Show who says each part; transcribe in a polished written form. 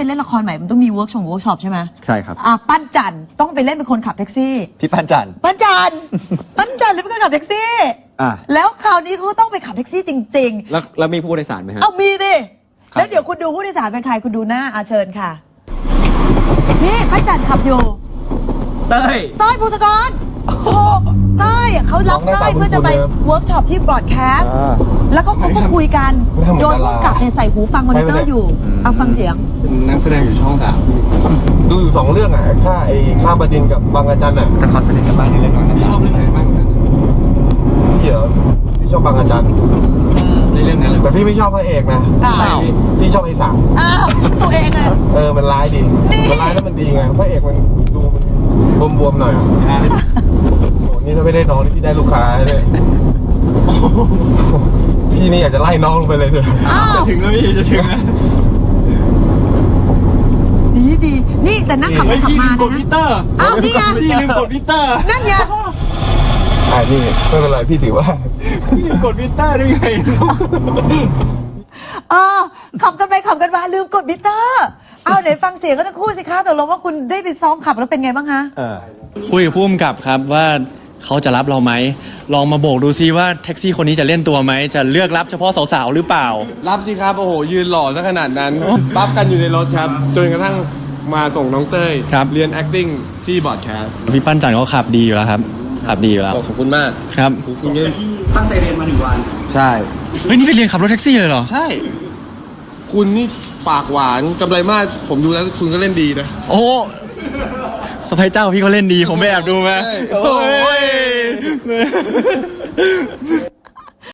Speaker 1: เล่นละครใหม่มันต้องมีเวิร์กช็อปใช่ไหม
Speaker 2: ใช่ครับ
Speaker 1: ปั้นจันต้องไปเล่นเป็นคนขับแท็กซี่
Speaker 2: พี่ปั้นจัน
Speaker 1: ปั้นจันเลยเป็นคนขับแท็กซี่แล้วคราวนี้เขาต้องไปขับแท็กซี่จริงๆ
Speaker 2: แล้วมีผู้โดยสารไหมฮะ
Speaker 1: มีดิแล้วเดี๋ยวคุณดูผู้โดยสารเป็นใครคุณดูหน้าเชิญค่ะนี่ปั้นจันขับอยู่
Speaker 2: เต้ย
Speaker 1: ภูสกรถูกเต้ยเขารับเต้ยเพื่อจะไปเวิร์กช็อปที่บรอดแคสต์แล้วก็เขาก็คุยกันโดนผู้กำกับเนี่ยใส่หูฟังมอนิเตอร์อยู่เอาฟังเสียง
Speaker 3: เป็นนักแสดงอยู่ช่อง3
Speaker 4: ดูอยู่2 เรื่องข้ามบดินทร์กับบางระจัน
Speaker 2: แต่เขาสนิทกันบ้างในเรื่องนั้น
Speaker 3: พี่ชอบเรื่องไหนบ้างกัน
Speaker 4: พี่ชอบบางระจัน
Speaker 3: ในเรื่องนั้น
Speaker 4: แต่พี่ไม่ชอบพระเอกนะพี่ชอบไอ้สาม
Speaker 1: ตัวเองเลย
Speaker 4: มันร้ายดีมันร้ายแล้วมันดีไงพระเอกมันดูมันบวมๆหน่อยโอ้นี่ถ้าไม่ได้น้องนี่พี่ได้ลูกค้าเลยพี่นี่อยากจะไล่น้องลงไปเลยเถอะ
Speaker 3: จะถึงแล้วพี่จะถึงแล้ว
Speaker 1: ดีนี่แต่นั่งขับมานะ
Speaker 3: กดมิเตอร์
Speaker 1: นี่ไง
Speaker 3: พี่ลืมกดมิเตอร์
Speaker 1: นั่นไง
Speaker 4: นี่ไม่เป็นไรพี่ถือว่า
Speaker 3: พี่ลืมกดมิเตอร์ได้ไง
Speaker 1: ขับกันไปขับกันมาลืมกดมิเตอร์ไหนฟังเสียงก็ทั้งคู่สิคะตกลงว่าคุณได้ไปซ้อมขับแล้วเป็นไงบ้างคะ
Speaker 5: คุยกับผู้กำกับครับว่าเขาจะรับเราไหมลองมาโบกดูซิว่าแท็กซี่คนนี้จะเล่นตัวไหมจะเลือกรับเฉพาะสาวๆหรือเปล่า
Speaker 4: รับสิครับโอ้โหยืนหล่อซะขนาดนั้นปั๊บกันอยู่ในรถครับจนกระทั่งมาส่งน้องเต้ยเรียน acting ที่บอร์ดแคสต์
Speaker 5: พี่ปั้นจันเขาขับดีอยู่แล้วครับขับดีอยู่แล้ว
Speaker 4: ขอบคุณมาก
Speaker 5: ครับ
Speaker 3: คุณตั้งใจเรียนมา1 วัน
Speaker 4: ใช่
Speaker 5: เฮ้ยนี่ไปเรียนขับรถแท็กซี่เลยเหรอ
Speaker 4: ใช่คุณนี่ปากหวานกำไรมากผมดูแล้วคุณก็เล่นดีนะ
Speaker 5: โอ้สะพ้ายเจ้าพี่เขาเล่นดีผมไม่แอบดูไหมโอ้ย